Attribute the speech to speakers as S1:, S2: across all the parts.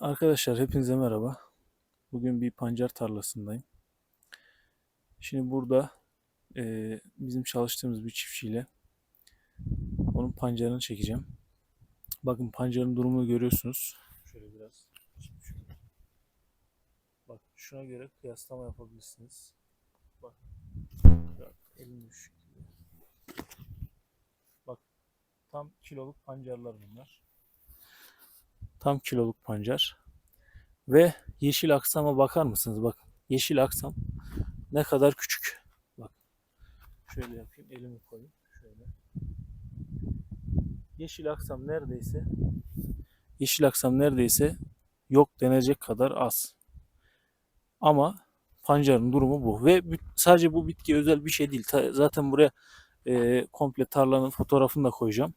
S1: Arkadaşlar hepinize merhaba. Bugün bir pancar tarlasındayım. Şimdi burada bizim çalıştığımız bir çiftçiyle onun pancarını çekeceğim. Bakın pancarın durumunu görüyorsunuz. Şöyle biraz. Bak şuna göre kıyaslama yapabilirsiniz. Bak. Elim düşük. Bak tam kiloluk pancarlar bunlar. Tam kiloluk pancar. Ve yeşil aksama bakar mısınız? Bak yeşil aksam ne kadar küçük. Bak şöyle yapayım, elimi koyayım. Şöyle. Yeşil aksam neredeyse yok denecek kadar az. Ama pancarın durumu bu. Ve sadece bu bitki özel bir şey değil. Zaten buraya komple tarlanın fotoğrafını da koyacağım.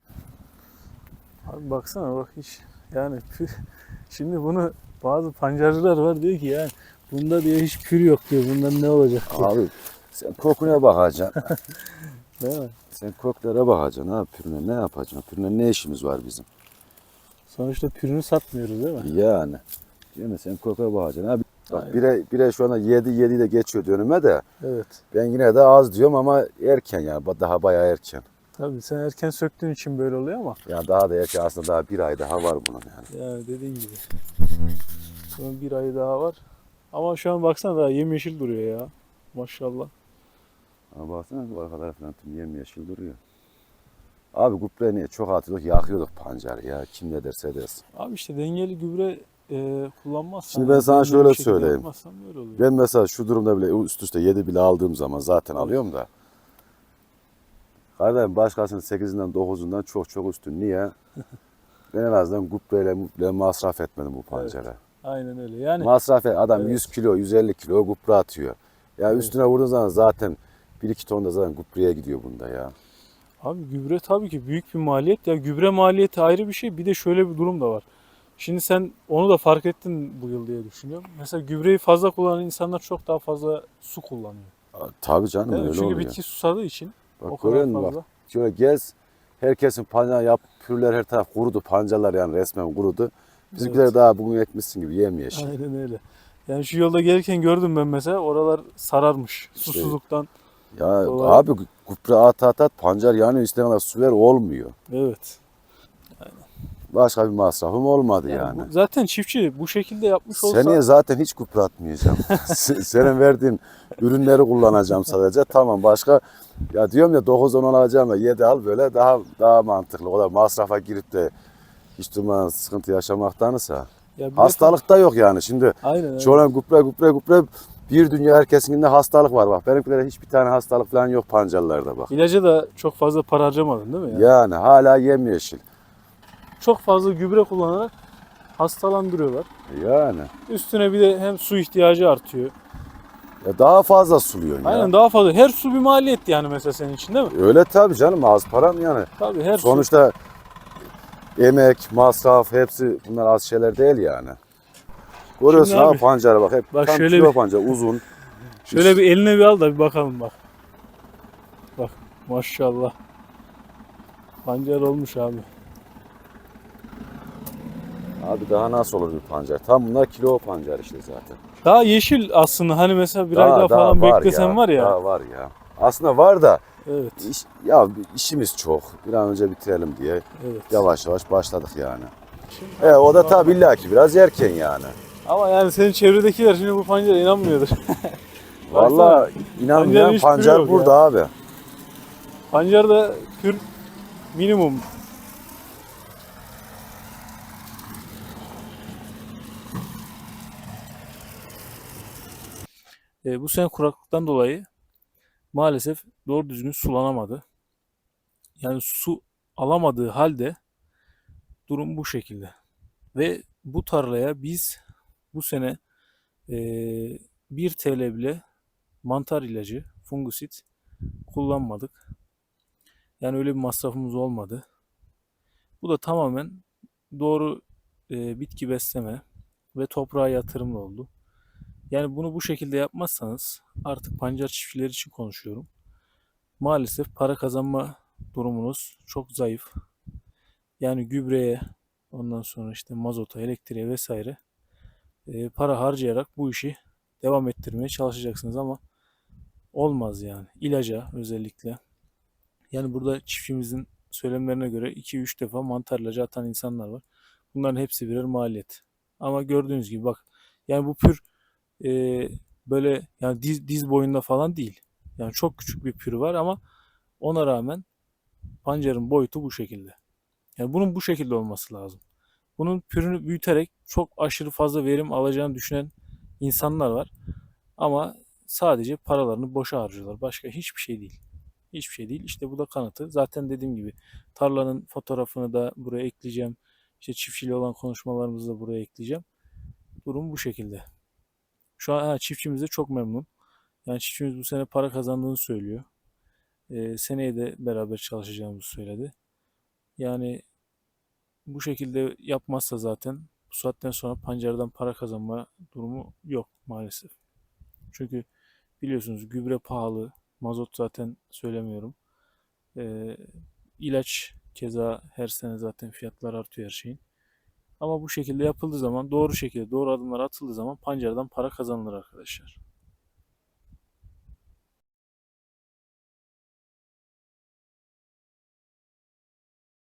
S1: Abi baksana bak hiç yani şimdi bunu bazı pancarcılar var diyor ki yani bunda diyor hiç pür yok diyor. Bundan ne olacak diyor.
S2: Abi sen kokuna bakacaksın.
S1: Değil mi?
S2: Sen koklara bakacaksın abi, pürüne ne yapacaksın? Pürüne ne işimiz var bizim?
S1: Sonuçta pürünü satmıyoruz değil mi?
S2: Yani. Değil mi? Sen koka bakacaksın abi. Bak
S1: Aynen.
S2: bire şu anda 7 de geçiyor dönüme de.
S1: Evet.
S2: Ben yine de az diyorum ama erken yani. Daha bayağı erken.
S1: Tabii sen erken söktüğün için böyle oluyor ama.
S2: Yani daha da erken, aslında daha bir ay daha var bunun yani.
S1: Yani dediğin gibi. Bunun bir ayı daha var. Ama şu an baksana daha yemyeşil duruyor ya. Maşallah.
S2: Ama baksana bu arkalar falan tüm yemyeşil duruyor. Abi gübre niye çok atıyorduk, yakıyorduk pancarı ya. Kim ne derse desin.
S1: Abi işte dengeli gübre kullanmazsan.
S2: Şimdi ben sana
S1: dengeli
S2: şöyle
S1: bir şekilde
S2: söyleyeyim.
S1: yapmazsan böyle oluyor.
S2: Ben mesela şu durumda bile üst üste 7 bile aldığım zaman zaten
S1: Evet.
S2: alıyorum da. Kardeşim başkasının 8'inden 9'undan çok üstün. Niye? Ben en azından gübreyle masraf etmedim bu pancara.
S1: Evet. Aynen öyle. Yani
S2: Masraf et. Adam
S1: evet.
S2: 100 kilo, 150 kilo gübre atıyor. Ya
S1: Evet.
S2: üstüne vurduğun zaman zaten 1-2 ton da zaten gübreye gidiyor bunda ya.
S1: Abi gübre tabii ki büyük bir maliyet. Ya gübre maliyeti ayrı bir şey. Bir de şöyle bir durum da var. Şimdi sen onu da fark ettin bu yıl diye düşünüyorum. Mesela gübreyi fazla kullanan insanlar çok daha fazla su kullanıyor.
S2: Tabii canım
S1: Değil mi?
S2: öyle
S1: Çünkü
S2: oluyor.
S1: bitki susadığı için o
S2: Bak
S1: kadar
S2: görüyor musun bak.
S1: fazla.
S2: Şöyle gez. Herkesin pancar yap, pürler her taraf kurudu. Pancarlar yani resmen kurudu. Bizimkiler
S1: Evet.
S2: daha bugün ekmişsin gibi yemyeşil.
S1: Aynen öyle. Yani şu yolda gelirken gördüm ben mesela oralar sararmış
S2: İşte
S1: susuzluktan
S2: ya
S1: dolayı.
S2: abi gübre at pancar yani istediğin kadar su ver olmuyor.
S1: Evet.
S2: Başka bir masrafım olmadı
S1: Yani
S2: yani.
S1: zaten çiftçi bu şekilde yapmış olsa
S2: Seneye zaten hiç gübre atmayacağım. Senin verdiğin ürünleri kullanacağım sadece. Tamam başka ya diyorum ya 9-10 alacağım da 7 al böyle daha mantıklı. O da masrafa girip de hiç durmadan sıkıntı yaşamaktansa.
S1: ya bir de
S2: Hastalık da yok yani. Şimdi
S1: aynen aynen.
S2: çoğuna gübre bir dünya herkesinde hastalık var bak. Benimkilerde hiçbir tane hastalık falan yok pancarlarda bak.
S1: İlaca da çok fazla para harcamadın değil mi ya?
S2: Yani hala yemyeşil.
S1: Çok fazla gübre kullanarak hastalandırıyorlar.
S2: Yani.
S1: Üstüne bir de hem su ihtiyacı artıyor.
S2: Ya daha fazla suluyorsun ya.
S1: Aynen daha fazla. Her su bir maliyet yani mesela senin için değil mi?
S2: Öyle tabii canım az param yani.
S1: Tabii her su.
S2: Sonuçta emek, masraf hepsi bunlar az şeyler değil yani. Görüyorsun
S1: Şimdi
S2: abi
S1: abi,
S2: pancara bak hep
S1: bak
S2: tam
S1: şöyle
S2: kilo
S1: bir
S2: pancar uzun.
S1: şöyle bir eline bir al da bir bakalım bak. Bak maşallah. Pancar olmuş abi.
S2: Abi daha nasıl olur bir pancar? Tam bunlar kilo pancar işte zaten.
S1: Daha yeşil aslında hani mesela bir ay daha falan
S2: var
S1: beklesen var ya.
S2: Daha var ya. Aslında var da
S1: Evet.
S2: işimiz çok. Bir an önce bitirelim diye
S1: Evet.
S2: yavaş yavaş başladık yani. O da tabii illaki biraz erken yani.
S1: Ama yani senin çevredekiler şimdi bu pancara inanmıyordur.
S2: Vallahi inanmayan
S1: hiç türü
S2: pancar
S1: yok
S2: burada
S1: ya.
S2: abi.
S1: Pancarda pür minimum. Bu sene kuraklıktan dolayı maalesef doğru düzgün sulanamadı. Yani su alamadığı halde durum bu şekilde. Ve bu tarlaya biz bu sene eee 1 TL bile mantar ilacı, fungisit kullanmadık. Yani öyle bir masrafımız olmadı. Bu da tamamen doğru bitki besleme ve toprağa yatırımla oldu. Yani bunu bu şekilde yapmazsanız artık pancar çiftçileri için konuşuyorum. Maalesef para kazanma durumunuz çok zayıf. Yani gübreye, ondan sonra işte mazota, elektriğe vesaire para harcayarak bu işi devam ettirmeye çalışacaksınız ama olmaz yani. İlaca özellikle. Yani burada çiftçimizin söylemlerine göre 2-3 defa mantar ilacı atan insanlar var. Bunların hepsi birer maliyet. Ama gördüğünüz gibi bak, yani bu pür e, böyle yani diz boyunda falan değil. Yani çok küçük bir pür var ama ona rağmen pancarın boyutu bu şekilde. Yani bunun bu şekilde olması lazım. Bunun pürünü büyüterek çok aşırı fazla verim alacağını düşünen insanlar var. Ama sadece paralarını boşa harcıyorlar. Başka hiçbir şey değil. Hiçbir şey değil. İşte bu da kanıtı. Zaten dediğim gibi tarlanın fotoğrafını da buraya ekleyeceğim. İşte çiftçiyle olan konuşmalarımızı da buraya ekleyeceğim. Durum bu şekilde. Şu an çiftçimiz de çok memnun. Yani çiftçimiz bu sene para kazandığını söylüyor. Seneye de beraber çalışacağımızı söyledi. Yani bu şekilde yapmazsa zaten bu saatten sonra pancardan para kazanma durumu yok maalesef. Çünkü biliyorsunuz gübre pahalı, mazot zaten söylemiyorum. Ee, ilaç keza her sene zaten fiyatlar artıyor her şeyin. Ama bu şekilde yapıldığı zaman, doğru şekilde doğru adımlar atıldığı zaman pancardan para kazanılır arkadaşlar.